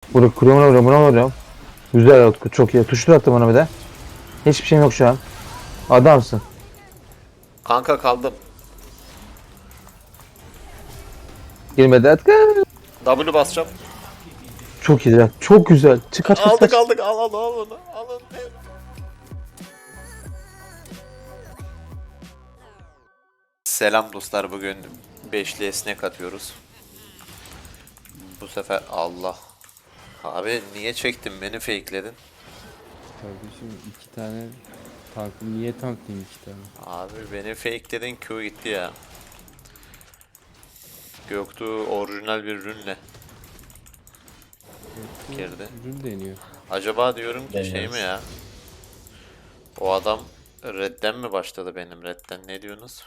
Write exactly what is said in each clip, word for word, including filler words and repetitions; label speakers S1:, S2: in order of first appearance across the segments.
S1: Burada kuruyorum vuruyorum buna vuruyorum. Güzel Utku çok iyi. Tuşlu attım bana bir de. Hiçbir şeyim yok şu an. Adamsın.
S2: Kanka kaldım.
S1: Girmedi Utku.
S2: W basacağım.
S1: Çok iyi ya. Çok güzel. Çık kaç kaç
S2: Aldık
S1: kaç.
S2: aldık al al al onu. Al onu. Selam dostlar, bugün beşli esnek atıyoruz. Bu sefer Allah. Abi niye çektin beni, fake'ledin?
S3: Kardeşim iki tane tankım niye tanklayayım iki tane?
S2: Abi beni fake'ledin, Q gitti ya. Göktuğ orijinal bir rünle girdi.
S3: Ürün deniyor.
S2: Acaba diyorum ki şey
S4: Deniyoruz.
S2: mi ya? O adam redden mi başladı benim redden, ne diyorsunuz?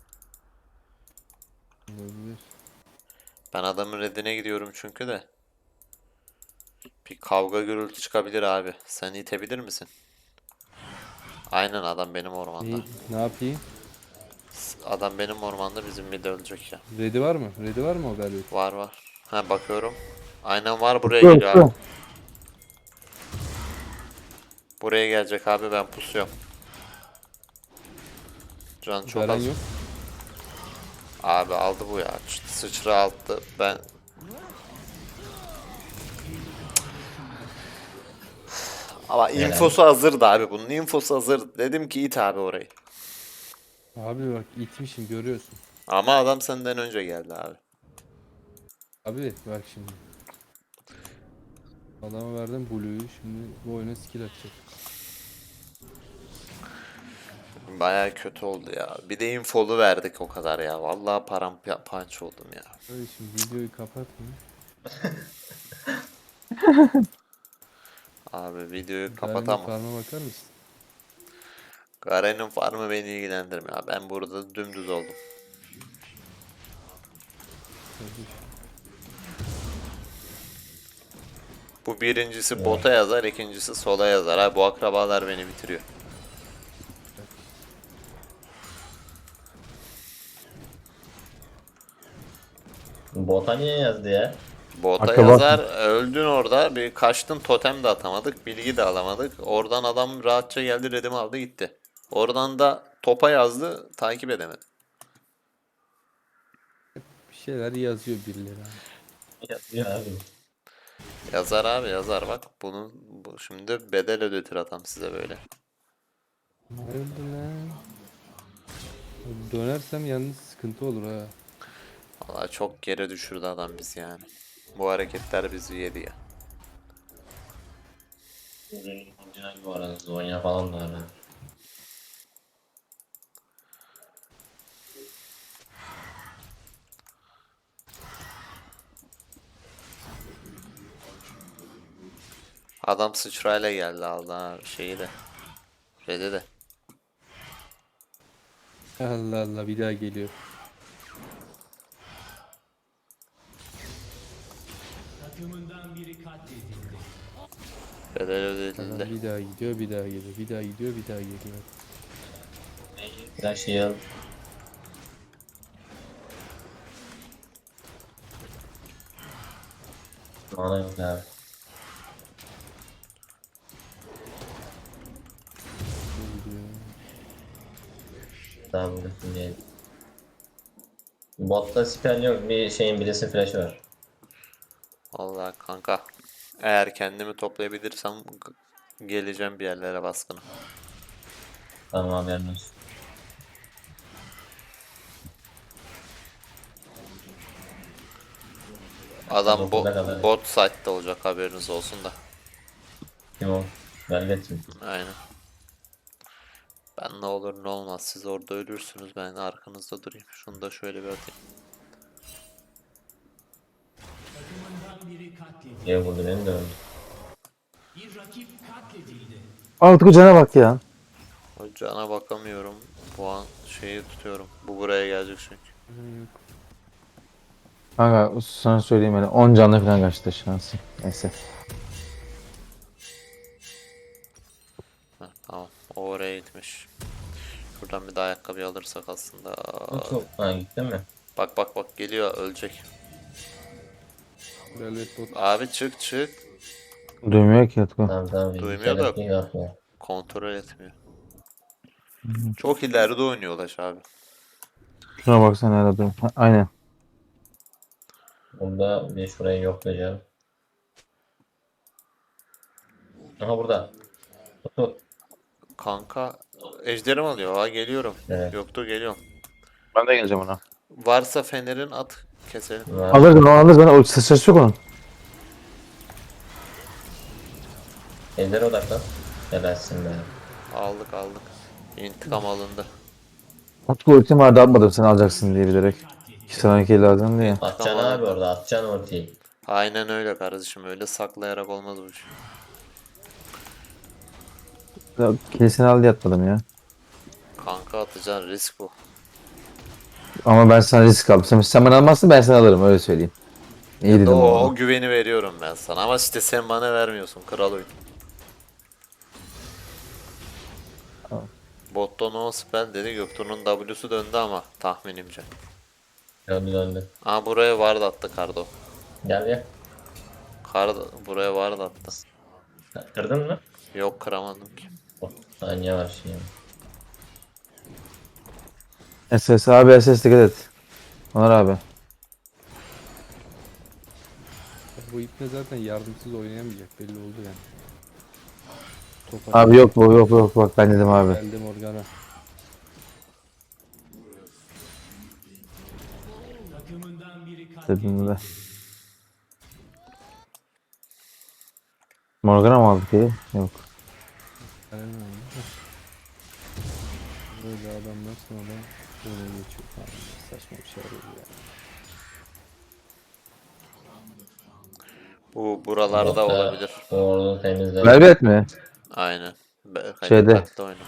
S3: Olabilir.
S2: Ben adamın reddine gidiyorum çünkü de. Bir kavga gürültü çıkabilir abi. Sen itebilir misin? Aynen, adam benim ormanda.
S3: Ne, ne yapayım?
S2: Adam benim ormanda, bizim bir de ölecek ya.
S3: Ready var mı? Ready var mı o galiba?
S2: Var var. Ha, bakıyorum. Aynen var, buraya
S1: Yok,
S2: geliyor abi.
S1: yok.
S2: Buraya gelecek abi, ben pusuyorum. Can çok
S3: Garen
S2: az.
S3: yok.
S2: Abi aldı bu ya. Ç- Sıçra aldı. Ben ama infosu hazırdı abi. Bunun infosu hazır. Dedim ki it abi orayı.
S3: Abi bak itmişim görüyorsun.
S2: Ama adam senden önce geldi abi.
S3: Abi bak şimdi. Adama verdim Blue'yu, şimdi bu oyuna skill atacak.
S2: Baya kötü oldu ya. Bir de infolu verdik o kadar ya. Vallahi parampanç oldum ya.
S3: Abi şimdi videoyu kapatma.
S2: Abi videoyu
S3: Garen'in
S2: kapatamam.
S3: farma bakar mısın?
S2: Garen'in farmı beni ilgilendirmiyor. Ben burada dümdüz oldum.
S3: Kardeşim.
S2: Bu birincisi bota yazar, ikincisi sola yazar. Ha, bu akrabalar beni bitiriyor.
S4: Bota niye yazdı ya?
S2: Bota
S1: Akraba-
S2: yazar, öldün orada. Bir kaçtın, totem de atamadık, bilgi de alamadık. Oradan adam rahatça geldi, redimi aldı gitti. Oradan da topa yazdı, takip edemedim.
S3: Bir şeyler yazıyor birileri abi.
S4: Yazıyor abi.
S2: Yazar abi, yazar bak. Bunun bu şimdi bedel ödetir adam size böyle.
S3: Öldü lan. Dönersem yalnız sıkıntı olur ha.
S2: Valla çok geri düşürdü adam bizi yani. Bu hareketler bizi yedi ya.
S4: Orijinal bu arada. Zonya falan da var. ha.
S2: Adam sıçrayla geldi, aldı ha şeyi de. Red'i de.
S3: Allah Allah bir daha geliyor.
S2: Bedel
S3: Adam
S2: ödedildi.
S3: bir daha gidiyor, bir daha geliyor, bir daha gidiyor, bir daha geliyor.
S4: Flash heal. Mana yok abi.
S3: Gidiyor.
S4: Tamam bırakın diyelim. Botta spell yok. Bir şeyin birisi flash'ı var.
S2: Vallahi kanka. Eğer kendimi toplayabilirsem g- geleceğim bir yerlere baskına.
S4: Tamam haberin olsun.
S2: Adam bo
S4: Dokuzda kadar.
S2: bot site'da olacak, haberiniz olsun da.
S4: Kim o? Velvet mi?
S2: Aynen. Ben ne olur ne olmaz, siz orada ölürsünüz, ben arkanızda durayım. Şunu da şöyle bir atayım.
S4: Diye vurdu beni de öldü.
S1: Aa, Utku cana bak ya.
S2: O cana bakamıyorum. Puan şeyi tutuyorum. Bu buraya gelecek çünkü.
S3: Yok.
S1: Kanka sana söyleyeyim öyle. on canlı falan kaçtı şansı. Neyse.
S2: Heh, tamam. O oraya gitmiş. Şuradan bir de ayakkabı alırsak aslında.
S4: Bu çok... Ha gitti mi?
S2: Bak bak bak, geliyor, ölecek.
S3: Velvet bot.
S2: Abi çık çık.
S1: Duymuyor ki Utku.
S4: Tamam tamam.
S2: Duymuyor da-
S4: Duymuyor yapmıyor.
S2: Kontrol etmiyor. Çok ileride oynuyor Ulaş abi.
S1: Şuna baksana hala durum. Ha, aynen.
S4: Bunda bir şurayı yoklayacağım. Aha burada. Tut.
S2: Kanka ejderim alıyor. Ha geliyorum.
S4: Evet.
S2: Yoktu geliyorum.
S1: Ben de geleceğim ona.
S2: Varsa fenerin at keselim.
S4: Var.
S1: Alırız onu alırız. Ben o ses yok onun.
S4: Ejder'e odaklan. Helalsin be.
S2: Aldık aldık. İntikam alındı.
S1: Utku ultim vardı atmadım sen alacaksın diye bilerek. İki sonraki lazım diye.
S4: Atacaksın
S2: Tamam.
S4: abi orada. Atacaksın ultiyi.
S2: Aynen öyle kardeşim. Öyle saklayarak olmaz bu iş.
S1: Ya, Kesin al diye atmadım ya.
S2: Kanka atacağın risk bu.
S1: Ama ben sana risk aldım. Sen, sen bana almazsın ben sana alırım öyle söyleyeyim. İyi dedim
S2: O,
S1: ama.
S2: o güveni veriyorum ben sana. Ama işte sen bana vermiyorsun. Kral oyun. Botta no spell dedi. Göktuğ'un W'su döndü ama tahminimce.
S4: Döndü döndü.
S2: Aa buraya ward attı Kardo.
S4: Gel gel.
S2: Kardo buraya ward attı.
S4: Kırdın mı?
S2: Yok kıramadım ki.
S4: Oh, saniye var şimdi.
S1: S S abi S S dikkat et. Onur abi.
S3: Bu ipne zaten yardımsız oynayamayacak belli oldu yani. Top
S1: Abi yok bu yok yok bak ben dedim abi.
S3: Geldi Morgana.
S1: Dedim de. Morgana mı aldık iyi? Yok.
S3: Aynen öyle. Böyle adamlar sonra böyle geçiyor falan. Saçma bir şey oluyor yani.
S2: Bu buralarda
S4: Botta
S2: olabilir.
S4: Orada temizle.
S1: Velvet mi?
S2: Aynen. Be
S1: Şeyde.
S2: dikkatli oyna.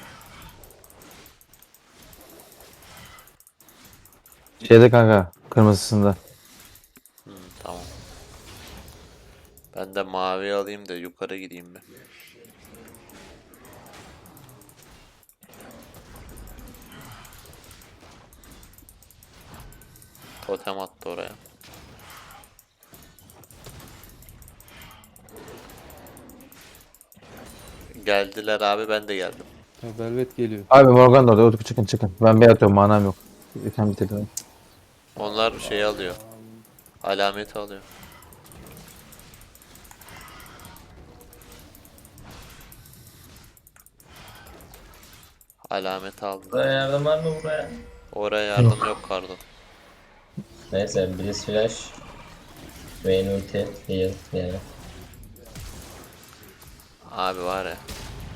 S1: Şeyde kanka kırmızısında.
S2: Hı, tamam. Ben de mavi alayım da yukarı gideyim ben. Totem attı oraya. Geldiler abi ben de geldim.
S3: Ha, Velvet geliyor.
S1: Abi Morgan da orada. Utku çıkın çıkın. Ben bir atıyorum manam yok. Lütfen bitirdim.
S2: Onlar şey alıyor. Alameti alıyor. Alameti aldı.
S4: Buraya yardım var mı buraya?
S2: Oraya yardım yok Kardo.
S4: Neyse Blitz Flash. Vayne ulti. Heal yani.
S2: Abi var ya.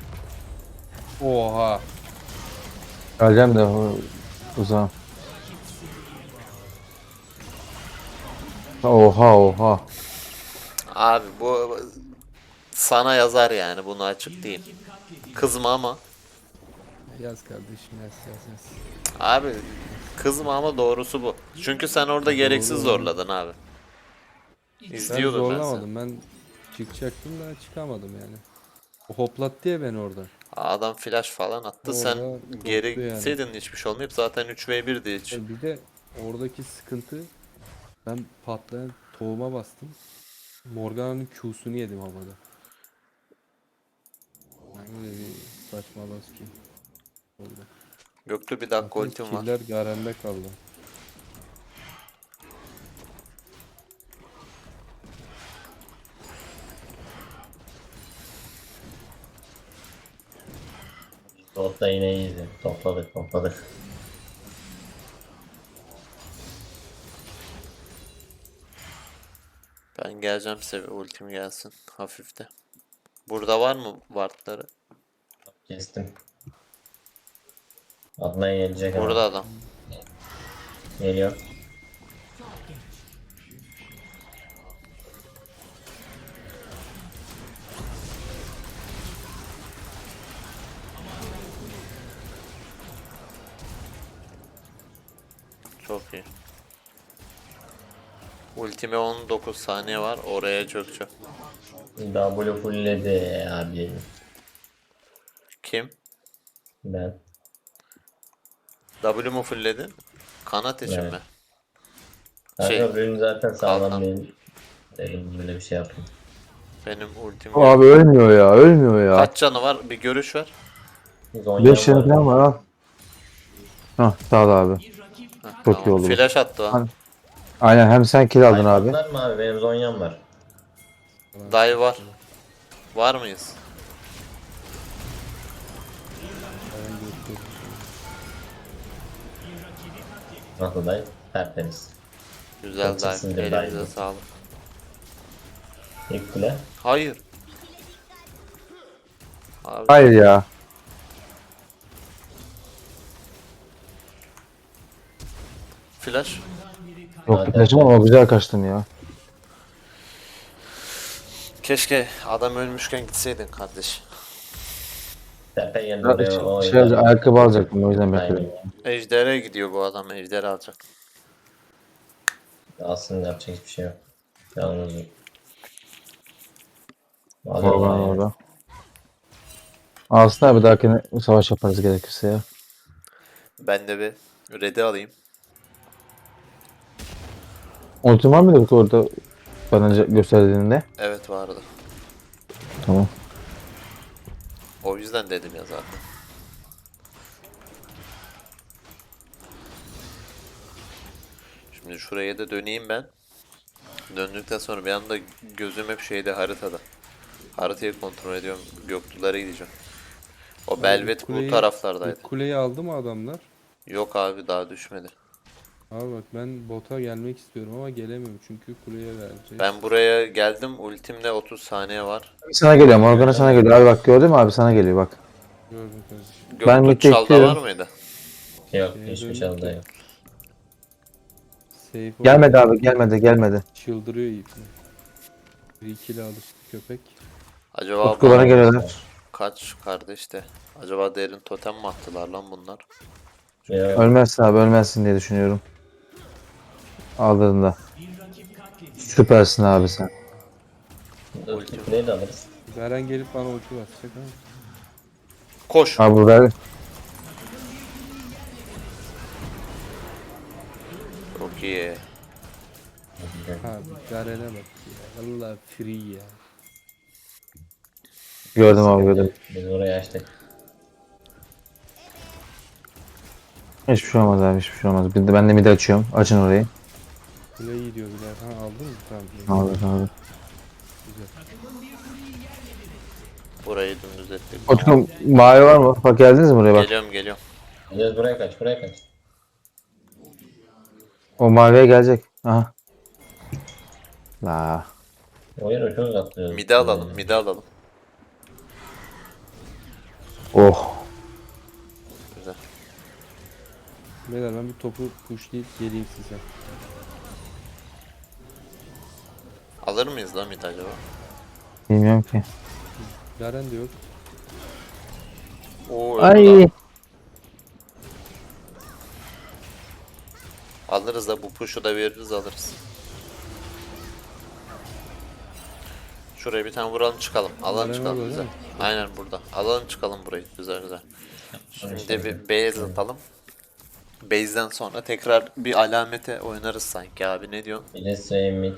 S3: Oha.
S1: Geleceğim de o uzağım. Oha oha.
S2: Abi bu sana yazar yani bunu açık diyeyim. Kızma ama.
S3: Yaz kardeşim yaz yaz yaz.
S2: Abi kızma ama doğrusu bu. Çünkü sen orada gereksiz
S3: Doğru.
S2: zorladın abi.
S3: Ben
S2: İzliyordum ben, seni.
S3: zorlamadım. Ben çıkacaktım da çıkamadım yani. O hoplattı ya beni orada.
S2: Adam flash falan attı. Sen
S3: Orada
S2: geri
S3: koptu yani.
S2: gitseydin hiçbir şey olmayıp zaten üç ve birdi hiç.
S3: Bir de oradaki sıkıntı ben patlayan tohuma bastım. Morgana'nın Q'sunu yedim havada. Yani öyle bir saçmalık ki. Oldu.
S2: Göklü bir dakika
S3: Zaten
S2: ultim var.
S3: killer Garen'de kaldı.
S4: Botta yine iyiydi. Topladık topladık.
S2: Ben geleceğim size ultim gelsin hafifte. Burada var mı wardları?
S4: Kestim. Adnan gelecek ama.
S2: Burada adam.
S4: Geliyor.
S2: Çok iyi. Ultime on dokuz saniye var. Oraya çökeceğim.
S4: W fullledi abi.
S2: Kim?
S4: Ben.
S2: W mu fullledin? Kanat için
S4: Evet.
S2: mi?
S4: Kanka
S2: Şey,
S4: ürün zaten sağlam
S2: kalkan.
S4: değil. Dedim böyle bir şey yapayım.
S2: Benim ultim
S1: Abi ölmüyor ya, ölmüyor ya.
S2: kaç canı var? Bir görüş ver.
S4: Zonya'm
S1: beş tane
S4: var.
S1: falan var al. Hah sağ ol abi.
S2: Heh,
S1: Çok iyi
S2: tamam.
S1: oldu bu.
S2: Flash attı o.
S1: Hani- Aynen hem sen kill aldın
S4: Ay,
S1: abi.
S4: patlar mı abi? Benim Zonya'm var.
S2: Dive var. Var mıyız?
S3: Ben gösteririm.
S4: Nasıl dayı? Tertemiz.
S2: Güzel
S4: Çok sesinde
S2: dive.
S4: dive
S2: Elinize
S4: bu.
S2: sağlık.
S4: İlk kule.
S2: Hayır. Abi
S1: Hayır ya.
S2: flash.
S1: Yok
S4: Hadi.
S1: flash'ım ama güzel kaçtın ya.
S2: Keşke adam ölmüşken gitseydin kardeş.
S4: Tepe geldi
S1: Ya,
S4: oraya.
S1: Şey,
S4: O
S1: şey,
S4: yüzden-
S1: ayakkabı alacaktım o yüzden
S4: Aynen.
S1: bekledim.
S2: Ejder'e gidiyor bu adam. Ejder alacak.
S4: Aslında yapacak hiçbir şey yok. Yalnız.
S1: Morgan
S4: Vallahi
S1: orada. Aslında bir dahakine savaş yaparız gerekirse ya.
S2: Ben de bir red'i alayım.
S1: Ultim var mıydı orada bana önce gösterdiğinde?
S2: Evet vardı.
S1: Tamam.
S2: O yüzden dedim ya zaten. Şimdi şuraya da döneyim ben. Döndükten sonra bir anda gözüm hep şeyde haritada. Haritayı kontrol ediyorum. Göktuğlara gideceğim. O Belvet bu
S3: kuleyi-
S2: taraflardaydı.
S3: İlk kuleyi aldı mı adamlar?
S2: Yok abi daha düşmedi.
S3: Abi bak ben bota gelmek istiyorum ama gelemiyorum çünkü kuleye verecek.
S2: Ben buraya geldim. Ultimde otuz saniye var.
S1: Sana geliyor Morgan'a sana geliyor. Abi bak gördün mü abi sana geliyor bak.
S3: Gördüm kardeşim.
S1: Ben
S2: Göktuğ
S1: midde
S2: çalda
S1: bekliyorum.
S2: var mıydı?
S4: Yok
S3: Şeye
S4: hiçbir
S3: döndük
S4: şey oldu
S3: ya.
S4: yok.
S3: Safe
S1: Gelmedi
S3: oldu.
S1: abi gelmedi gelmedi.
S3: Çıldırıyor ipni. Bir ikili alıştı köpek.
S2: Acaba
S1: Utku bana
S2: bana
S1: geliyorlar.
S2: kaç kardeş de? Acaba derin totem mi attılar lan bunlar?
S4: Ya,
S1: Ölmezsin abi ölmezsin diye düşünüyorum. Aldığında. Süpersin abi sen.
S4: ilk kuleyi de alırız.
S3: Garen gelip bana ulti basacak ama.
S2: Koş.
S1: Abi ver.
S2: Çok iyi.
S3: Abi Garen'e bak ya. Valla free ya.
S1: Gördüm abi gördüm.
S4: Biz orayı açtık.
S1: Hiçbir şey olmaz abi hiçbir şey olmaz. Bir de ben de midi açıyorum. Açın orayı.
S3: Kule gidiyor birer. Ha aldın mı? Tamam. iyi.
S1: Abi abi.
S3: Güzel.
S2: Burayı dümdüz ettik.
S1: Utku mavi var mı? Bak geldiniz mi buraya bak.
S2: Geliyorum geliyorum.
S4: Gel buraya kaç buraya kaç.
S1: O maviye gelecek. Aha. La.
S4: O yere çok atlıyoruz.
S2: Mide alalım, mide alalım.
S1: Oh.
S2: Güzel.
S3: Beyler ben bir topu pushlayıp geleyim size.
S2: Alır mıyız lan mide acaba?
S1: Bilmiyorum ki.
S3: Garen de yok.
S2: Oo, öldü
S1: Ay.
S2: lan. Alırız da bu push'u da veririz alırız. Şuraya bir tane vuralım çıkalım. Alalım
S3: Garen
S2: çıkalım
S3: orada
S2: güzel.
S3: değil mi?
S2: Aynen burada. Alalım çıkalım burayı. Güzel güzel. Şimdi bir base atalım. Base'den sonra tekrar bir alamete oynarız sanki abi ne diyorsun?
S4: Bir de Sway mid.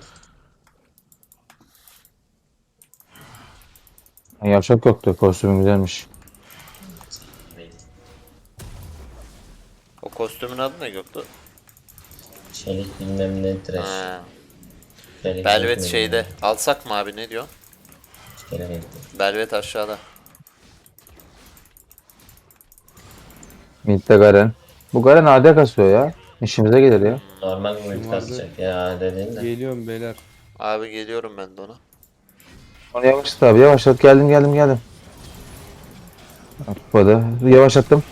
S1: Yapacak yoktu. Kostümü güzelmiş.
S2: O kostümün adı ne Göktuğ?
S4: Çelik bilmem ne trash.
S2: Ha,
S4: Çelik
S2: Belvet
S4: bilmem
S2: şeyde.
S4: ne.
S2: Alsak mı abi ne diyorsun?
S4: Çelik renkli.
S2: Belvet aşağıda.
S1: Mid'de Garen. Bu Garen A D kasıyor ya. İşimize gelir ya.
S4: Normal bir ulti
S3: vardı.
S4: kasacak ya dediğin de.
S3: Geliyorum beyler.
S2: Abi geliyorum ben de ona.
S1: Onu yavaşlat abi yavaşlat. Geldim geldim geldim. Tutmadı. Yavaşlattım.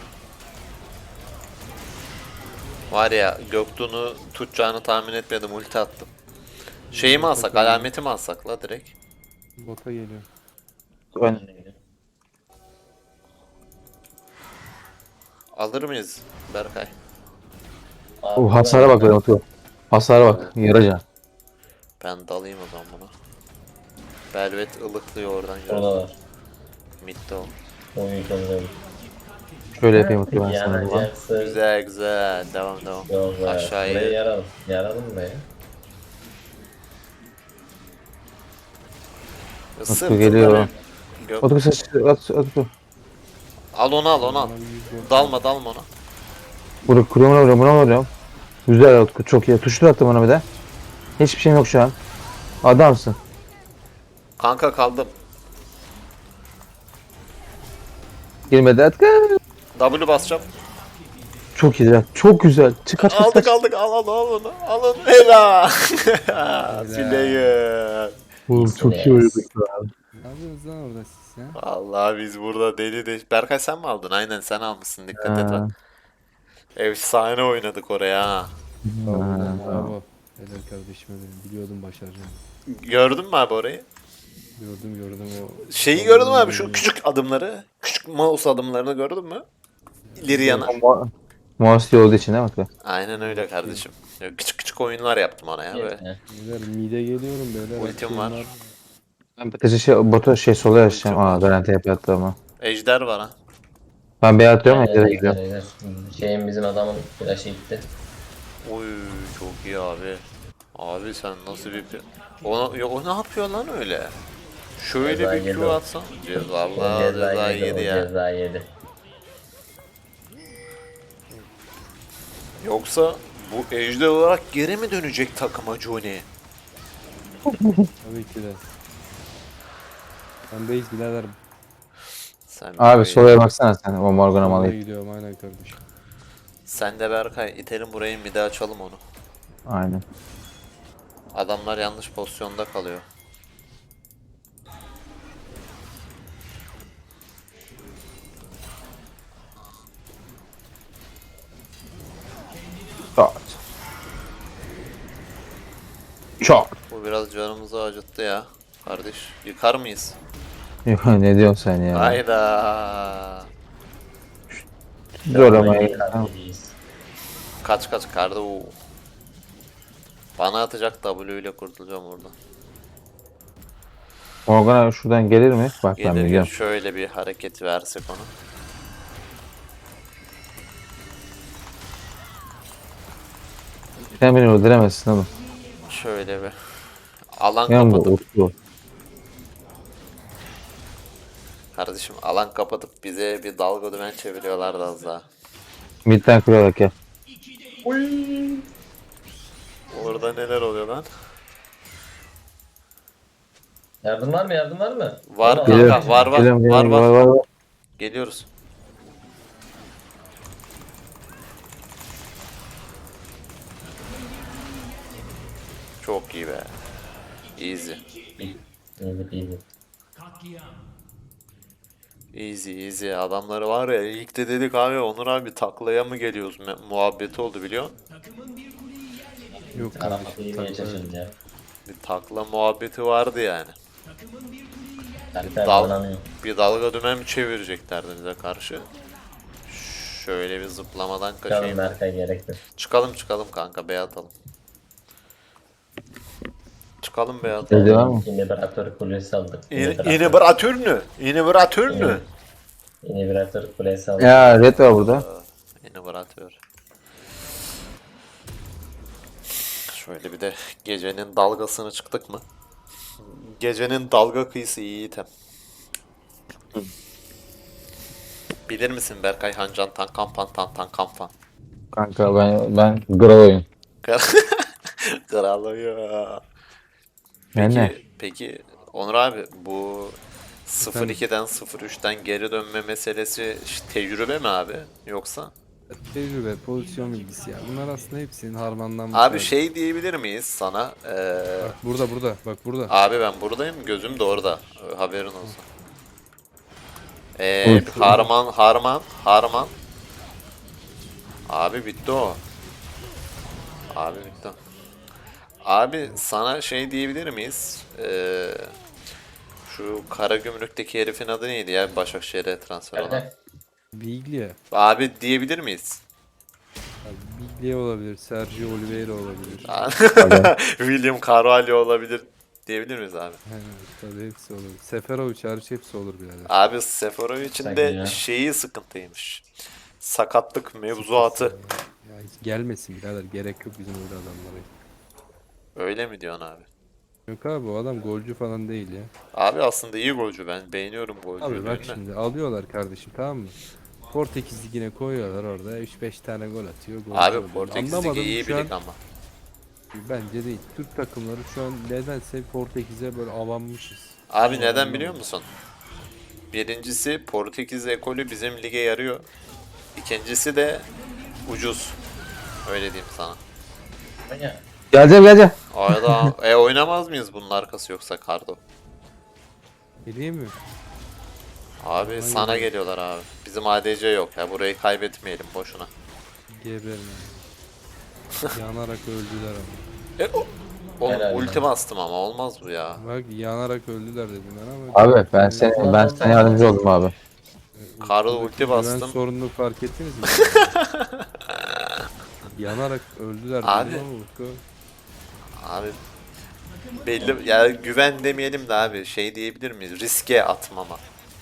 S2: Var ya Göktuğ'unu tutacağını tahmin etmedim ulti attım. Şeyi mi alsak alameti mi alsak la direkt?
S3: Bota geliyorum.
S1: Ön.
S2: Alır mıyız Berkay?
S4: Abi,
S1: Oh, hasara bak benim atıyor. Hasara bak. Yaraca.
S2: Ben dalayım o zaman buna. Belvet ılıklıyor oradan gördüm.
S4: Oradalar.
S2: Mid'de o.
S4: Oyun sonunda.
S1: Şöyle yapayım atıyor ben sana. buradan.
S4: Yanacaksın.
S2: Güzel güzel devam devam.
S4: Yok be.
S2: Aşağıya.
S4: Burayı yaralım. Yaralım be.
S2: Sırtında
S1: geliyor.
S2: bir... Yok.
S1: Utku ses at at.
S2: Al onu al onu al.
S3: Bana bir yüz gol-
S2: Dalma dalma ona.
S1: Bunu kuruyorum vuruyorum buna vuruyorum. Güzel Utku çok iyi. Tuşlu attım ona bir de. Hiçbir şeyim yok şu an. Adamsın.
S2: Kanka kaldım.
S1: Girmedi Utku.
S2: W basacağım.
S1: Çok güzel. Çok güzel. Çık kaç kaç
S2: Aldık
S1: kaç.
S2: aldık al al al onu. Al onu. Helal. Player.
S1: Oğlum çok iyi oynadık ya.
S3: Ne yapıyorsunuz lan orada siz ya?
S2: Vallahi biz burada deli de... Berkay sen mi aldın? Aynen sen almışsın. Dikkat et bak.
S1: Ha.
S2: Efsane oynadık oraya ha.
S3: Bravo
S1: Ha,
S3: lan,
S1: tamam.
S3: bravo. Helal kardeşime benim. Biliyordum başaracağım.
S2: Gördün mü abi orayı?
S3: Gördüm gördüm o.
S2: Şeyi gördün mü abi şu küçük adımları? Küçük mouse adımlarını gördün mü? İleri yana.
S1: Mo- Mouse olduğu için değil mi Utku?
S2: Aynen öyle kardeşim. Ya küçük küçük oyunlar yaptım ona ya böyle.
S4: Yeter.
S3: Beyler mide geliyorum beyler.
S2: Ultim
S3: Açıyorum
S2: var.
S1: Ben Batu'yu şey, Batu şey sola yaşayacağım.
S2: Ultim
S1: Aa
S2: var.
S1: garanti hep yattı ama.
S2: Ejder var ha.
S1: Ben beyaz atıyorum
S4: Aynen,
S1: Ejder'e
S4: aynen,
S1: gidiyorum.
S4: aynen. Şeyin bizim adamın flash'ı gitti.
S2: Uy çok iyi abi. Abi sen nasıl bir... Ona, ya, o ne yapıyor lan öyle? Şöyle
S4: Ceza
S2: bir
S4: yedi
S2: Q
S4: o.
S2: atsan. Ceza
S4: O
S2: Allah
S4: ceza
S2: ceza
S4: yedi,
S2: yedi
S4: o
S2: ya.
S4: ceza yedi.
S2: Yoksa bu ejder olarak geri mi dönecek takıma Johnny?
S3: Tabii ki de. Ben base birader.
S2: Sen
S1: Abi
S2: böyle-
S1: solaya baksana sen. O Morgan'a
S3: Oraya
S1: malı.
S3: gidiyorum aynen kardeşim.
S2: Sen de Berkay itelim burayı mide açalım onu.
S1: Aynen.
S2: Adamlar yanlış pozisyonda kalıyor.
S1: Çok. Çok.
S2: Bu biraz canımızı acıttı ya. Kardeş yıkar mıyız?
S1: Yok, ne diyorsun sen ya?
S2: Hayda.
S1: Zor ama.
S4: Vallahi
S1: ya.
S4: kalpliyiz.
S2: Kaç kaç kardı o. Bana atacak W ile kurtulacağım oradan.
S1: Morgan'a şuradan gelir mi? Bak ben
S2: Gelir gelir
S1: biliyorum.
S2: şöyle bir hareket versek ona.
S1: Sen beni öldüremezsin oğlum.
S2: Şöyle bir. Alan
S1: Yan bu
S2: kapatıp
S1: Utku.
S2: kardeşim alan kapatıp bize bir dalga dümen çeviriyorlardı az daha.
S1: Midden kırıyorlar ya.
S2: Orada neler oluyor lan?
S4: Yardım var mı? Yardım var mı?
S2: Var
S4: Tamam,
S2: kanka,
S4: abi.
S2: var var
S1: Geliyorum,
S2: var
S1: geliyorum,
S2: var.
S1: var var.
S2: Geliyoruz. Çok iyi be. Easy.
S4: İyi, iyi.
S2: Easy easy. Adamları var ya ilk de dedik abi Onur abi taklaya mı geliyoruz Me- muhabbeti oldu biliyor musun?
S3: Yok
S4: Arap
S3: kardeşim.
S4: iyi
S3: takla-
S4: geçeceğiz ya.
S2: Bir takla muhabbeti vardı yani.
S4: Kaliter
S2: Dal-
S4: oynanıyor.
S2: Bir dalga dümen mi çevireceklerdi bize karşı? Şöyle bir zıplamadan
S4: Canım
S2: kaçayım.
S4: Berkay gerekli.
S2: Çıkalım çıkalım kanka bey atalım. Çıkalım bey
S1: Ne
S2: atalım.
S1: diyor ama?
S4: İnhibratör kulesi aldık.
S2: İnibratör mü? İnibratör mü?
S4: İnhibratör kulesi aldık.
S1: Ya red var burada.
S2: İnibratör. Şöyle bir de gecenin dalgasını çıktık mı? Gecenin dalga kıyısı iyi item. Bilir misin Berkay Hancan Tan Kampan Tan Tan Kampan?
S1: Kanka ben ben Gral oyun.
S2: Kral ya.
S1: Ben ne?
S2: Peki, peki Onur abi bu sıfır ikiden sıfır üçten geri dönme meselesi ş- tecrübe mi abi yoksa?
S3: Tecrübe, pozisyon bilgisi ya. Bunlar aslında hepsinin harmanlanmış
S2: Abi
S3: hali.
S2: şey diyebilir miyiz sana? Ee,
S3: Bak burada burada bak burada.
S2: abi ben buradayım gözüm de orada. Ee, Haberin olsun. Ee,
S1: Uy.
S2: Harman Harman Harman. Abi bitti o. Abi bitti o. Abi sana şey diyebilir miyiz? Ee, şu Karagümrük'teki herifin adı neydi ya Başakşehir'e transfer olan?
S4: Berkay.
S3: Biglia.
S2: Abi diyebilir miyiz?
S3: Abi Biglia olabilir. Sergio Oliveira olabilir.
S2: William Carvalho olabilir diyebilir miyiz abi?
S3: Aynen, tabii hepsi olur. Seferovic hariç hepsi olur birader.
S2: Abi Seferovic'in
S4: Sakın
S2: de
S4: ya.
S2: şeyi sıkıntıymış. Sakatlık mevzuatı.
S3: Ya hiç gelmesin birader. Gerek yok bizim öyle adamlara.
S2: Öyle mi diyorsun abi?
S3: Yok abi o adam golcü falan değil ya.
S2: Abi aslında iyi golcü, ben beğeniyorum golcüyü.
S3: Abi bak
S2: değil mi?
S3: şimdi alıyorlar kardeşim, tamam mı? Portekiz Ligi'ne koyuyorlar orada üç beş tane gol atıyor. Golcü
S2: Abi
S3: oluyor.
S2: Portekiz
S3: Anlamadım
S2: Ligi iyi
S3: şu
S2: bir
S3: an-
S2: lig ama.
S3: Bence değil. Türk takımları şu an nedense Portekiz'e böyle avanmışız.
S2: Abi
S3: Ama
S2: neden
S3: anlamadım.
S2: biliyor musun? Birincisi Portekiz ekolü bizim lige yarıyor. İkincisi de ucuz. Öyle diyeyim sana.
S4: Zonya.
S1: Geleceğim geleceğim.
S2: Arada e oynamaz mıyız bunun arkası yoksa Kardo?
S3: Bileyim mi?
S2: Abi
S3: Aynen.
S2: sana geliyorlar abi. Bizim A D C yok ya, burayı kaybetmeyelim boşuna.
S3: Geberin. Yanarak öldüler ama.
S2: E, o- Oğlum
S4: Helal
S2: ulti
S4: lan.
S2: bastım ama olmaz bu ya.
S3: Bak yanarak öldüler dedim ben ama.
S1: Abi ben seni ben sana yardımcı oldum abi.
S2: Kardo
S3: Buradaki
S2: ulti
S3: güven
S2: bastım.
S3: sorununu fark ettiniz mi? Yanarak öldüler
S2: Abi.
S3: dedim ama Utku.
S2: Abi belli ya, güven demeyelim de abi, şey diyebilir miyiz? Riske atmama.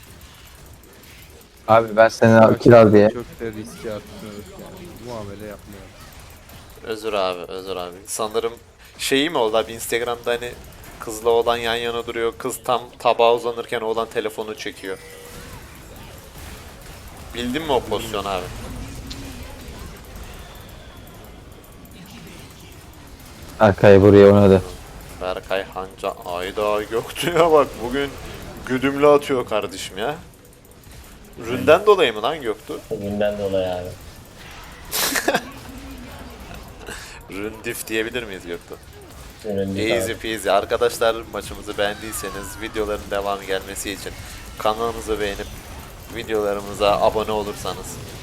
S1: Abi ben seni
S3: Bak,
S1: kiral diye.
S3: Çok da riske atmıyoruz yani. Muamele yapmıyoruz.
S2: Özür abi, özür abi. Sanırım şeyi mi oldu abi, Instagram'da hani kızla oğlan yan yana duruyor. Kız tam tabağa uzanırken oğlan telefonu çekiyor. Bildin mi o pozisyon abi?
S1: Arkayı buraya oynadı.
S2: Berkay Hanca, ayda Göktuğ'a bak bugün güdümlü atıyor kardeşim ya. Ründen dolayı mı lan Göktuğ?
S4: Bugünden dolayı abi.
S2: Ründif diyebilir miyiz Göktuğ?
S4: Önünde
S2: Easy
S4: abi.
S2: peasy. Arkadaşlar maçımızı beğendiyseniz videoların devamı gelmesi için kanalımızı beğenip videolarımıza abone olursanız